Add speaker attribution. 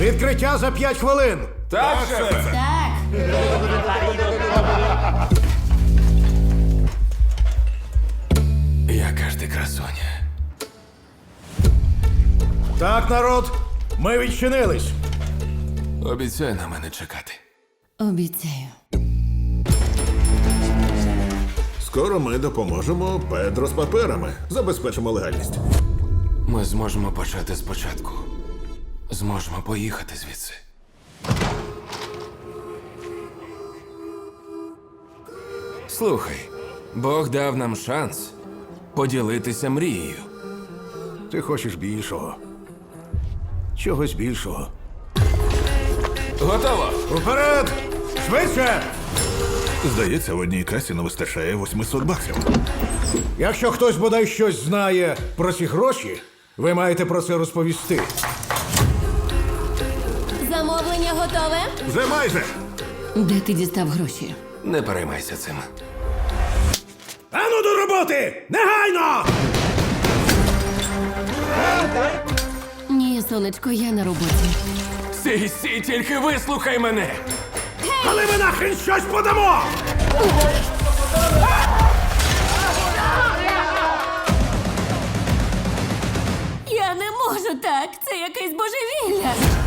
Speaker 1: Відкриття за 5 хвилин.
Speaker 2: Так, шефе.
Speaker 3: Так.
Speaker 2: Яка ж ти красуня.
Speaker 1: Так, народ, ми відчинились.
Speaker 2: Обіцяй на мене чекати.
Speaker 3: Обіцяю.
Speaker 4: Скоро ми допоможемо Педро з паперами. Забезпечимо легальність.
Speaker 2: Ми зможемо почати спочатку. Зможемо поїхати звідси. Слухай, Бог дав нам шанс поділитися мрією.
Speaker 1: Ти хочеш більшого. Чогось більшого.
Speaker 2: Готово!
Speaker 1: Уперед! Швидше!
Speaker 4: Здається, в одній касі не вистачає 800 баксів.
Speaker 1: Якщо хтось бодай щось знає про ці гроші, ви маєте про це розповісти.
Speaker 3: Замовлення готове?
Speaker 4: Вже майже.
Speaker 3: Де ти дістав гроші?
Speaker 2: Не переймайся цим.
Speaker 1: Ану до роботи! Негайно!
Speaker 3: Ні, сонечко, я на роботі.
Speaker 2: Сі, тільки вислухай мене!
Speaker 1: Але ми нахрен щось подамо!
Speaker 3: Я не можу так. Це якесь божевілля.